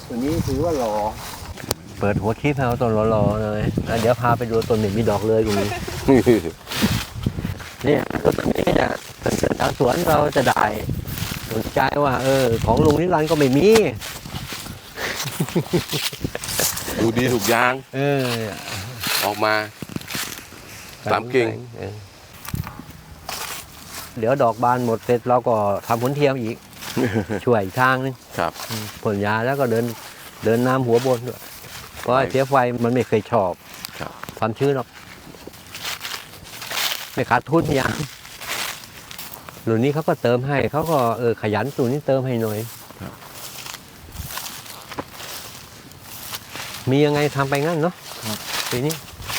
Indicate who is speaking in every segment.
Speaker 1: ตัวนี้ถือว่าหล่อเปิดหัวคลิปเอาต้นหล่อๆเลยแล้วเดี๋ยวพาไปดูต้นหนึ่งมีดอกเลยกูเนี่ยต้นนี้เนี่ยทางสวนเราจะได้สนใจว่าของลุงนิรันดร์ก็ไม่มี
Speaker 2: ดูดีถูกยางออกมาสามกิ่ง
Speaker 1: เดี๋ยวดอกบานหมดเสร็จเราก็ทำผลเทียมอีก ช่วยอีกทางนึง
Speaker 2: ครับ
Speaker 1: ผลยาแล้วก็เดินน้ำหัวบนด้วยเพราะเสียไฟมันไม่เคยชอบความชื้นหรอกไม่ขาดทุนอย่างรุ่นนี้เขาก็เติมให้เขาก็ขยันสูนนี้เติมให้หน่อยมียังไงทำไปงั้นเนาะทีนี้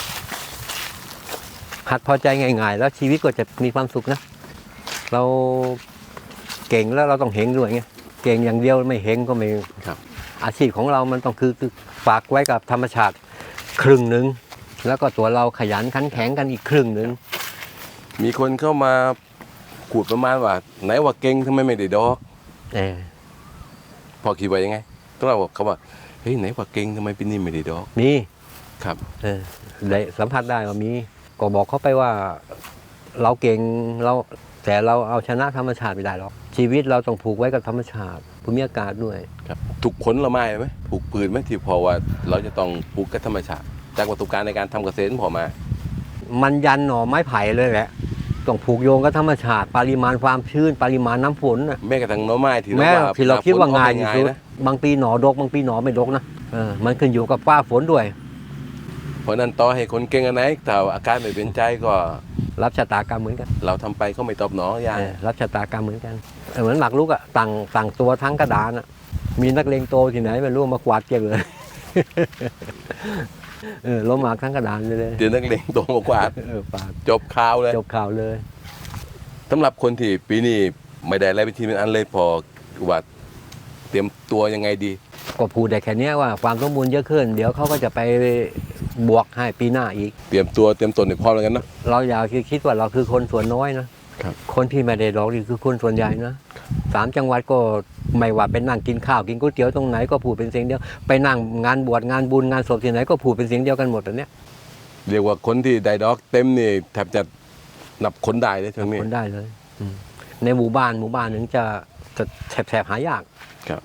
Speaker 1: หัดพอใจง่ายๆแล้วชีวิตก็จะมีความสุขนะเราเก่งแล้วเราต้องเฮงด้วยไงเก่งอย่างเดียวไม่เฮงก็ไม่อาชีพของเรามันต้องคือฝากไว้กับธรรมชาติครึ่งหนึ่งแล้วก็ตัวเราขยันขันแข็งกันอีกครึ่งหนึ่ง
Speaker 2: มีคนเข้ามาขูดประมาณว่าไหนว่าเก่งทำไมไม่ได้ดอก
Speaker 1: พอ
Speaker 2: คิดว่ายังไงต้องเราบอกเขาว่าเฮ้ยไหนว่าเก่งทำไมปีนี้ไม่ได้ดอก
Speaker 1: มี
Speaker 2: ครับ
Speaker 1: ได้สัมผัสได้ว่ามีก็บอกเขาไปว่าเราเก่งแต่เราเอาชนะธรรมชาติไม่ได้หรอกชีวิตเราต้องผูกไว้กับธรรมชาติภูมิอากาศด้วย
Speaker 2: ครับถูกผลละไม้ไหมผูกปืนไหมที่พอว่าเราจะต้องผูกกับธรรมชาติจากประสบการณ์ในการทำเกษตรพอมา
Speaker 1: มันยันหน่อไม้ไผ่เลยแหละต้องผูกโยงกับธรรมชาติปริมาณความชื้นปริมาณน้ำฝนนะ
Speaker 2: แม้กระทั่งหน่อไม้ที่
Speaker 1: เราคิดว่าง่ายที่สุดบางปีหน่อดกบางปีหน่อไม่ดกนะมันขึ้นอยู่กับฟ้าฝนด้วย
Speaker 2: เพราะนั้นต่อให้คนเก่งอันไหนแต่อาการไม่เป็นใจก็
Speaker 1: รับชะตากรรมเหมือนกัน
Speaker 2: เราทำไปก็ไม่ตอบหนออย่าง
Speaker 1: รับชะตากรรมเหมือนกันเหมือนหมากรุกอ่ะต่างตัวทั้งกระดานอ่ะมีนักเลงโตที่ไหนไม่รู้มากวาดเก็บเลยล้มหมากทั้งกระดานเลย
Speaker 2: เดี๋ยวนักเลงโตมากวาดจบข่าวเลยสำหรับคนที่ปีนี้ไม่ได้อะไรเป็นทีเป็นอันเลยพอว่าเตรียมตัวยังไงดี
Speaker 1: ก็พูดได้แค่นี้ว่าความสมบูรณ์เยอะขึ้นเดี๋ยวเขาก็จะไปบวกให้ปีหน้าอีก
Speaker 2: เตรียมตนในพร้อมแล้วกันนะ
Speaker 1: เราอย่าคิดว่าเราคือคนส่วนน้อยนะคนที่ไม่ได้ดอกนี่คือคนส่วนใหญ่นะ3 จังหวัดก็ไม่ว่าเป็นนั่งกินข้าวกินก๋วยเตี๋ยวตรงไหนก็พูดเป็นเสียงเดียวไปนั่งงานบวชงานบุญงานศพที่ไหนก็พูดเป็นเสียงเดียวกันหมดอันเนี้ย
Speaker 2: เรียกว่าคนที่ได้ดอกเต็มนี่แทบจะนับคนได้เลยทั้งนี้
Speaker 1: คนได้เลยในหมู่บ้านหนึ่งจะแถบหายาก
Speaker 2: ครับ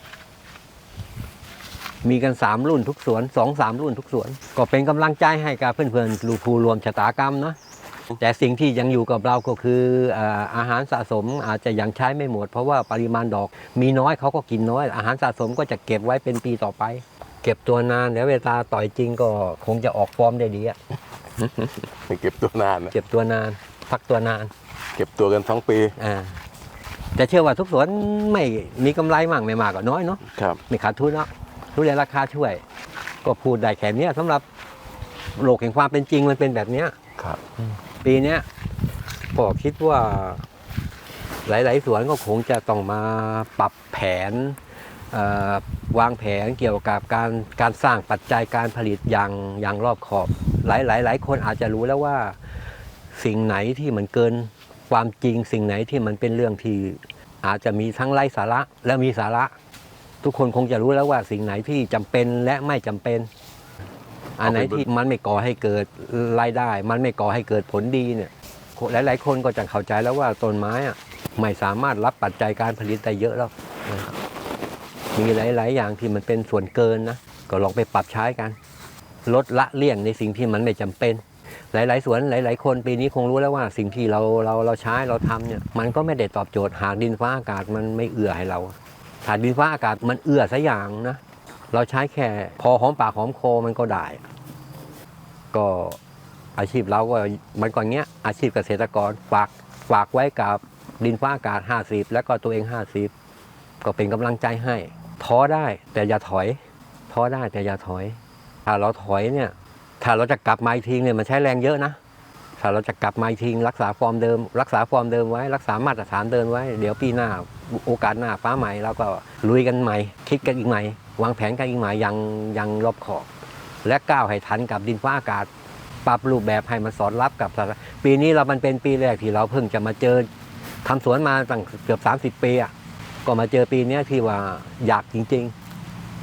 Speaker 1: มีกัน3 รุ่นทุกสวน2-3 รุ่นทุกสวนก็เป็นกำลังใจให้กับเพื่อนๆลูกผู้รวมชะตากรรมนะแต่สิ่งที่ยังอยู่กับเราก็คืออาหารสะสมอาจจะยังใช้ไม่หมดเพราะว่าปริมาณดอกมีน้อยเขาก็กินน้อยอาหารสะสมก็จะเก็บไว้เป็นปีต่อไปเก็บตัวนานแล้วเวลาต่อยจริงก็คงจะออกฟอร์มได้ดีอ่ะ
Speaker 2: เก็บตัวนานนะ
Speaker 1: เก็บตัวนานพักตัวนาน
Speaker 2: เก็บตัวกัน2 ปี
Speaker 1: แต่เชื่อว่าทุกสวนไม่มีกำไรมากไม่มากก็น้อยเนาะไม่ขาดทุนแล้วดูแลราคาช่วยก็พูดได้แค่นี้สำหรับโลกแห่งความเป็นจริงมันเป็นแบบนี้ปีนี้ก็คิดว่าหลายๆสวนก็คงจะต้องมาปรับแผนวางแผนเกี่ยวกับการสร้างปัจจัยการผลิตอย่างรอบขอบหลายคนอาจจะรู้แล้วว่าสิ่งไหนที่มันเกินความจริงสิ่งไหนที่มันเป็นเรื่องที่อาจจะมีทั้งไร้สาระและมีสาระทุกคนคงจะรู้แล้วว่าสิ่งไหนที่จำเป็นและไม่จำเป็นอันไหนที่มันไม่ก่อให้เกิดรายได้มันไม่ก่อให้เกิดผลดีเนี่ยหลายๆคนก็จะเข้าใจแล้วว่าต้นไม้อะไม่สามารถรับปัจจัยการผลิตได้เยอะแล้วมีหลายๆอย่างที่มันเป็นส่วนเกินนะก็ลองไปปรับใช้กันลดละเลี่ยงในสิ่งที่มันไม่จำเป็นหลายๆสวนหลายๆคนปีนี้คงรู้แล้วว่าสิ่งที่เราใช้เราทำเนี่ยมันก็ไม่ได้ตอบโจทย์หากดินฟ้าอากาศมันไม่เอื้อให้เราถ้าดินฟ้าอากาศมันเอื้อสักอย่างนะเราใช้แค่พอหอมปากหอมคอมันก็ได้ก็อาชีพเราก็มันก่อนเงี้ยอาชีพเกษตรกรฝากไว้กับดินฟ้าอากาศ50แล้วก็ตัวเอง50ก็เป็นกำลังใจให้ท้อได้แต่อย่าถอยท้อได้แต่อย่าถอยถ้าเราถอยเนี่ยถ้าเราจะกลับมาอีกทีเนี่ยมันใช้แรงเยอะนะถ้าเราจะกลับมาอีกทีรักษาฟอร์มเดิมไว้รักษามาตรฐานเดิมไว้เดี๋ยวปีหน้าโอกาสหน้าฟ้าใหม่เราก็ลุยกันใหม่คิดกันอีกใหม่วางแผนกันอีกใหม่ยังรอบขอบและก้าวให้ทันกับดินฟ้าอากาศปรับรูปแบบให้มันสอดรับกับปีนี้มันเป็นปีแรกที่เราเพิ่งจะมาเจอทำสวนมาตั้งเกือบ30 ปีอ่ะก็มาเจอปีนี้ที่ว่าอยากจริงๆ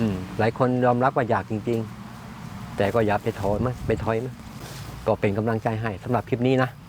Speaker 1: หลายคนยอมรับว่าอยากจริงๆ แต่ก็อย่าไปถอยมั้ยก็เป็นกำลังใจให้สำหรับคลิปนี้นะ